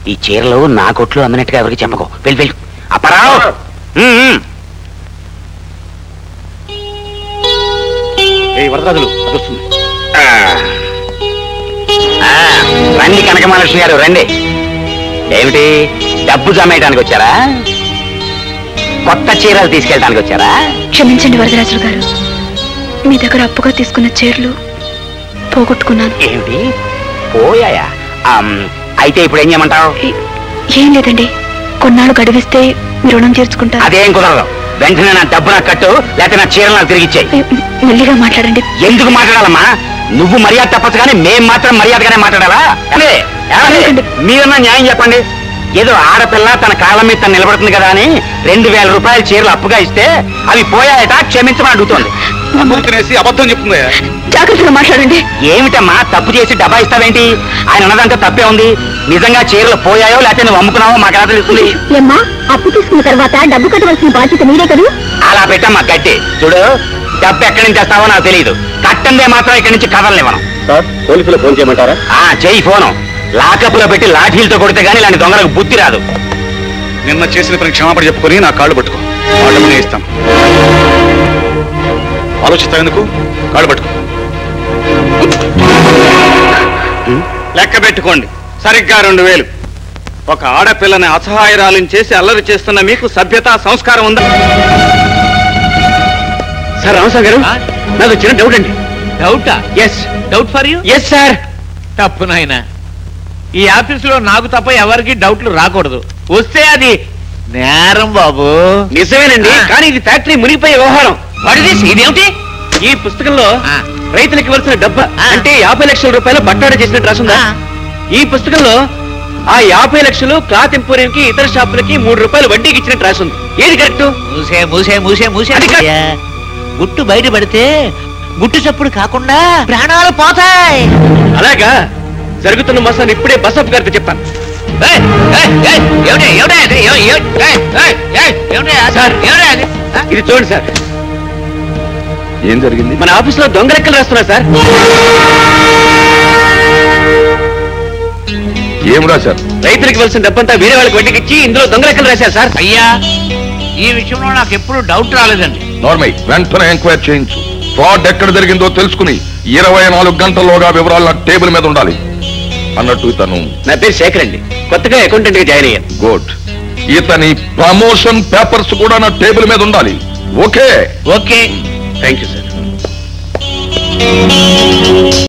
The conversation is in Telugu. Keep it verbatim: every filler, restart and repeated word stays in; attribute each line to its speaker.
Speaker 1: ఈ చీరలు నా కొట్లు అమ్మినట్టుగా ఎవరికి చెప్పకో. వెళ్ళి వెళ్ళు. అప్పారావు వరదరాజులు వస్తుంది. రండి కనకమహాలక్ష్మి గారు రండి. ఏమిటి డబ్బు జమేయడానికి వచ్చారా? కొత్త చీరలు తీసుకెళ్ళడానికి వచ్చారా?
Speaker 2: క్షమించండి వరదరాజులు గారు, మీ దగ్గర అప్పుగా తీసుకున్న చీరలు పోగొట్టుకున్నాను.
Speaker 1: ఏమిటి పోయాయా? అయితే ఇప్పుడు ఏం చేయమంటావు?
Speaker 2: ఏం లేదండి, కొన్నాళ్ళు గడివిస్తే మీ రుణం తీర్చుకుంటా.
Speaker 1: అదేం కుదరదు. వెంటనే నా డబ్బు నాకు కట్టు, లేకపోతే నా చీరలు నాకు తిరిగిచ్చేయి.
Speaker 2: మెల్లిగా మాట్లాడండి.
Speaker 1: ఎందుకు మాట్లాడాలమ్మా? నువ్వు మర్యాద తప్పచ్చు కానీ మేం మాత్రం మర్యాదగానే మాట్లాడాలా? మీరన్నా న్యాయం చెప్పండి. ఏదో ఆడపిల్ల తన కాళ్ళ మీద తను నిలబడుతుంది కదా అని రెండు వేల రూపాయల చీరలు అప్పుగా ఇస్తే అవి పోయాయట, క్షమించమని అడుగుతోంది.
Speaker 3: అబద్ధం చెప్తుంది.
Speaker 2: జాగ్రత్తగా మాట్లాడండి.
Speaker 1: ఏమిటమ్మా తప్పు చేసి డబ్బా ఇస్తావేంటి? ఆయన ఉన్నదంతా తప్పే ఉంది. నిజంగా చీరలు పోయాయో లేకపోతే నువ్వు అమ్ముకున్నావో మాకు ఎలా తెలుస్తుంది?
Speaker 2: ఏమ్మా, అప్పు తీసుకున్న తర్వాత డబ్బు కట్టవలసిన బాధ్యత మీరే కదా.
Speaker 1: అలా పెట్టమ్మా గట్టి. చూడు, డబ్బు ఎక్కడి నుంచి తెస్తావో నాకు తెలియదు. కట్టందే మాత్రం ఇక్కడి నుంచి కదలనివ్వను.
Speaker 3: సార్ పోలీసులు ఫోన్ చేయమంటారా?
Speaker 1: ఆ చెయ్యి ఫోను. లాకప్లో పెట్టి లాఠీలతో కొడితే గానీ ఇలాంటి దొంగలకు బుద్ధి రాదు.
Speaker 3: నిన్న చేసిన పని క్షమాపణ చెప్పుకొని నా కాళ్ళు పట్టుకో, వాళ్ళని ఇస్తాం. ఆలోచిస్తావు ఎందుకు? కాళ్ళు పట్టుకో. లెక్క పెట్టుకోండి, సరిగ్గా రెండు వేలు. ఒక ఆడపిల్లని అసహాయరాలను చేసి అల్లరి చేస్తున్న మీకు సభ్యత సంస్కారం ఉందా? సార్ రామసాగర్ గారు, నాకు చిన్న డౌట్ అండి.
Speaker 4: డౌటా?
Speaker 3: Yes.
Speaker 4: Doubt for you?
Speaker 3: Yes sir.
Speaker 4: తప్పు నాయనా, ఈ ఆఫీసులో నాకు తప్ప ఎవరికి డౌట్లు రాకూడదు. వస్తే అది నేరం బాబు.
Speaker 3: నిజమేనండి, కానీ ఇది ఫ్యాక్టరీ మునిగిపోయే వ్యవహారం.
Speaker 4: ఇదేమిటి?
Speaker 3: ఈ పుస్తకంలో రైతులకు ఇవ్వాల్సిన డబ్బు అంటే యాభై లక్షల రూపాయలు బట్టాడ చేసినట్టు రాసుందా? ఈ పుస్తకంలో ఆ యాభై లక్షలు క్లాత్ ఎంపోరియం కి ఇతర షాపులకి మూడు రూపాయలు వడ్డీకి ఇచ్చినట్టు రాసుంది. ఏది కరెక్ట్?
Speaker 4: మూసే మూసే మూసే మూసే గుట్టు బయట పడితే గుట్టు చప్పుడు కాకుండా ప్రాణాలు పోతాయి.
Speaker 3: అలాగా? జరుగుతున్న మోసాన్ని ఇప్పుడే బసప్ గారితో చెప్తాను. ఇది చూడండి సార్.
Speaker 5: ఏం జరిగింది?
Speaker 3: మన ఆఫీస్ లో దొంగ లెక్కలు రాస్తున్నారు సార్.
Speaker 5: ఏం రాశారు?
Speaker 3: రైతులకు ఇవ్వాల్సిన డబ్బంతా వేరే వాళ్ళకి వడ్డీకి ఇచ్చి ఇందులో దొంగ లెక్కలు రాశారు సార్.
Speaker 4: అయ్యా, ఈ విషయంలో నాకు ఎప్పుడు డౌట్ రాలేదండి.
Speaker 5: నార్మల్, వెంటనే ఎంక్వైరీ చేయించు. ఫ్రాడ్ ఎక్కడ జరిగిందో తెలుసుకుని ఇరవై నాలుగు గంటల్లోగా వివరాలు నా టేబుల్ మీద ఉండాలి. అన్నట్టు ఇతను
Speaker 3: నా పేరు శేఖర్ అండి, కొత్తగా అకౌంటెంట్ గా జాయిన్ అయ్యాను.
Speaker 5: గుడ్. ఇతని ప్రమోషన్ పేపర్స్ కూడా నా టేబుల్ మీద ఉండాలి. Okay?
Speaker 4: Okay,
Speaker 3: thank you sir.